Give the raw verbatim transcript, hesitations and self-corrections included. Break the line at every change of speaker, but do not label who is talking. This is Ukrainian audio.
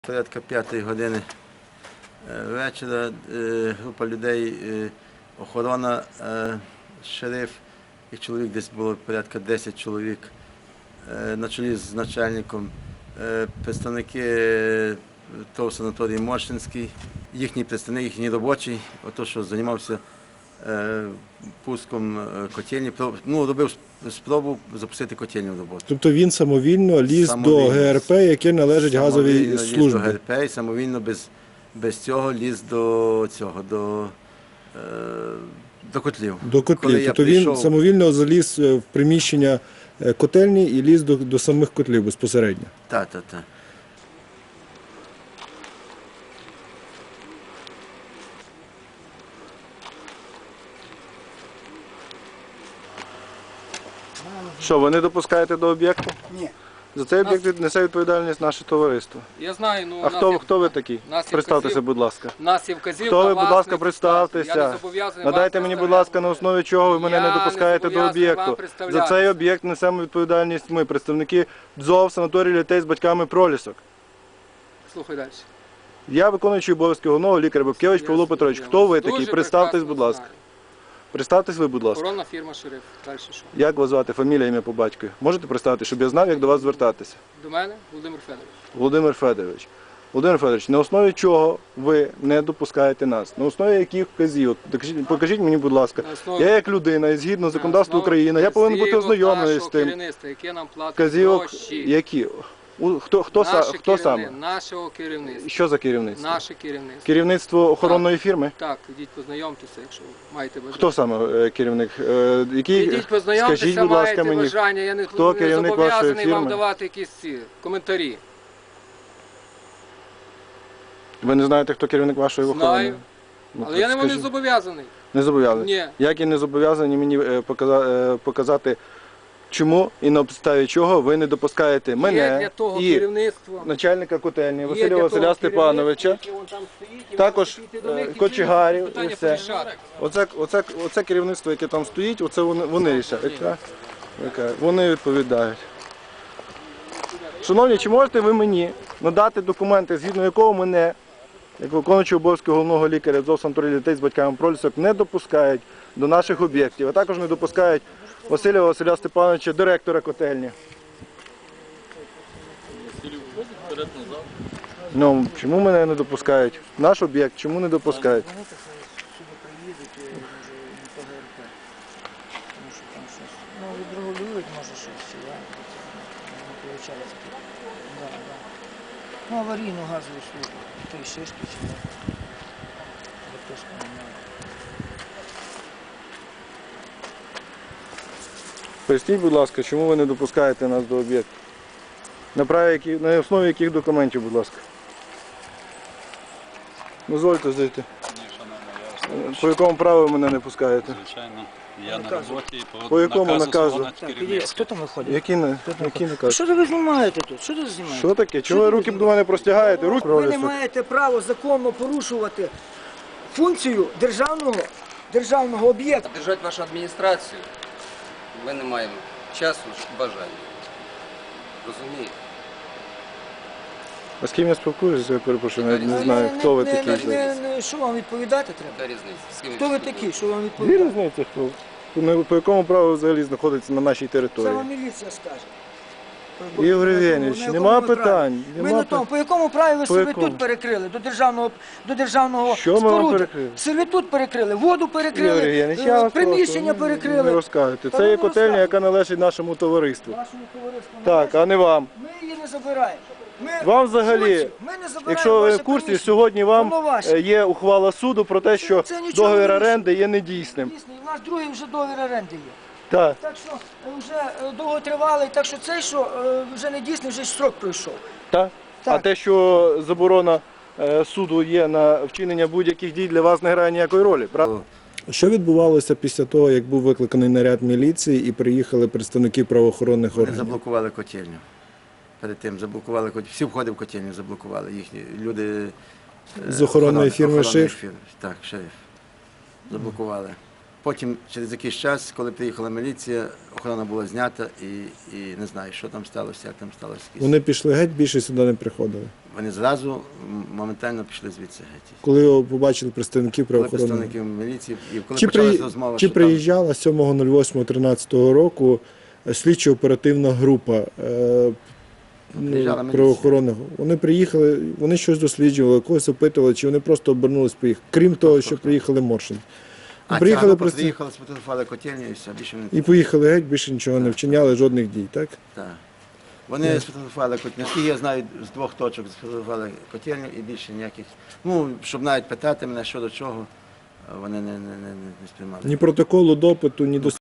Порядка п'ятої години вечора група людей, охорона, шериф, їх чоловік десь було порядка десять чоловік, на чолі з начальником, представники ТОВ «Санаторій Моршинський», їхній представник, їхній робочий, ото, що займався пуском котельні, ну, робив спробу запустити котельню в роботу.
Тобто він самовільно ліз самовільно, до ГРП, яке належить газовій службі? Ліз до
ГРП і самовільно без, без цього ліз до цього, до, е, до котлів.
До котлів. Тобто прийшов... він самовільно заліз в приміщення котельні і ліз до, до самих котлів безпосередньо?
Так, так, так.
Що, ви не допускаєте до об'єкту?
Ні.
За цей об'єкт несе відповідальність наше товариство.
Я знаю, ну...
А хто,
є...
хто ви такий? Представтеся, будь ласка.
Нас є вказівка,
хто ви, будь ласка, представтеся. Надайте мені, будь ласка, на основі чого ви мене не допускаєте до об'єкту. За цей об'єкт несемо відповідальність ми, представники ДЗОВ, санаторію дітей з батьками «Пролісок».
Слухай далі.
Я виконуючий обов'язки головного лікаря Бабкевич Павло Петрович. Хто ви такий? Представтесь, будь ласка. Представтесь ви, будь ласка.
Охоронна фірма «Шериф». Далі що?
Як вас звати? Фамілія, ім'я по батькові? Можете представити, щоб я знав, як до вас звертатися?
До мене Володимир Федорович.
Володимир Федорович. Володимир Федорович, на основі чого ви не допускаєте нас? На основі яких вказівок? Покажіть мені, будь ласка.
Основі...
Я як людина, і згідно законодавства України, я повинен бути ознайомлений з тим.
Яке нам платить
вказівок,
гроші.
Які? Хто, хто,
Наше
хто саме?
Нашого керівництва.
Що за керівництво?
Наше керівництво.
Керівництво охоронної
так.
фірми?
Так, ідіть познайомтеся, якщо маєте бажання.
Хто саме керівник? Який...
Ідіть познайомтеся,
Скажіть, будь ласка,
маєте
мені,
бажання. Я не,
хто
не зобов'язаний вам
фірми?
давати якісь ці коментарі.
Ви не знаєте, хто керівник вашої охорони?
Знаю,
ну,
але я не не зобов'язаний.
Не зобов'язаний?
Ні.
Як і не зобов'язані мені показати, чому і на підставі чого ви не допускаєте мене
Є для того
і
керівництво.
начальника котельні Василя Василя Степановича, також кочегарів і все. Оце, оце, оце керівництво, яке там стоїть, оце вони, вони рішають. Вони відповідають. Шановні, чи можете ви мені надати документи, згідно якого мене, як виконуючий обов'язки головного лікаря ДЗОВ «Санаторій дітей з батьками «Пролісок», не допускають до наших об'єктів, а також не допускають Василя Василя Степановича, директора котельні. Ну, чому мене не допускають? Наш об'єкт чому не допускають?
Ну, відрегулюють, може, щось, я не виходить. Да, да. Ну, аварійну газову службу, той шишки чи не. Хтось поміняє.
Поясніть, будь ласка, чому ви не допускаєте нас до об'єкту? На, на основі яких документів, будь ласка? Дозвольте зайти.
Ні,
по якому праву ви мене не пускаєте?
Звичайно, я на роботі, по,
по якому наказу?
Хто там виходить?
Які, які накази?
Що ви знімаєте тут? Що ви знімаєте?
Що таке? Чого ви руки до мене простягаєте? Руки
ви не маєте права законно порушувати функцію державного, державного об'єкту.
Держати вашу адміністрацію ми не маємо часу, бажання. Розумієте?
А з ким я спілкуюся, я перепрошую, навіть не знаю, хто ви
не,
такі.
Не, не, що вам відповідати треба?
Яка різниця? З ким
Хто ви
спілкуєтесь?
такі? Що вам
Дві
відповідати?
різниці, хто? По- По якому праву взагалі знаходиться на нашій
Це
території?
вам міліція скаже.
Ігор
На якому-
Євгенович,
на
нема
якому ви
питань,
праві?
нема
Ми на тому, по якому праві ви
По
себе
якому?
тут перекрили? До державного, до державного
Що ми вам
споруди?
перекрили?
Сервітут перекрили, воду
Ігор
перекрили,
Євгенович,
е,
я вас
приміщення
прошу,
перекрили.
Не розказуйте.
Та
Це
ви
є
не
котельня,
розказуйте.
яка належить нашому товариству.
Нашому товариству
Так, а не вам.
Ми її не забираємо. Ми
Вам взагалі,
суті, ми не забираємо
якщо ви
ваше
в курсі,
приміщення.
сьогодні вам
Воно ваше.
е, є ухвала суду про те, що
це нічого
договір
не вирішує.
оренди є недійсним.
Дійсно, у нас другий вже договір оренди є.
Так.
Так що е, вже е, довготривалий, так що цей, що е, вже не дійсний, вже строк пройшов.
Так? А
Так.
те, що заборона е, суду є на вчинення будь-яких дій, для вас не грає ніякої ролі, правда?
Що відбувалося після того, як був викликаний наряд міліції і приїхали представники правоохоронних
Вони
органів?
заблокували котельню. Перед тим заблокували котельню. Всі входи в котельню заблокували. Їхні люди е,
З охоронної фірми
охоронної
«Шериф»?
фірми. Так, «Шериф». Заблокували. Потім, через якийсь час, коли приїхала міліція, охорона була знята і, і не знаю, що там сталося, як там сталося.
Вони пішли геть, більше сюди не приходили?
вони зразу м, моментально пішли звідси геть.
Коли його побачили представників
Коли
правоохоронних.
представників міліції, і коли
Чи,
почалася
при...
розмова,
Чи
що
приїжджала сьомого восьмого тринадцятого року слідчо-оперативна група е,
Приїжджала міліція.
правоохоронних? Вони приїхали, вони щось досліджували, когось опитували, чи вони просто обернулись поїхали. Крім того, що приїхали Моршин.
а
приїхали
ця група
просто-
приїхала, сфотографували котельню і все, більше не
І поїхали геть, більше нічого не вчиняли, жодних дій, так?
так. Вони сфотографували котельню. Наскільки я знаю, з двох точок сфотографували котельню і більше ніяких. Ну, щоб навіть питати мене, що до чого, вони не, не, не, не сприймали.
Ні протоколу допиту, ні до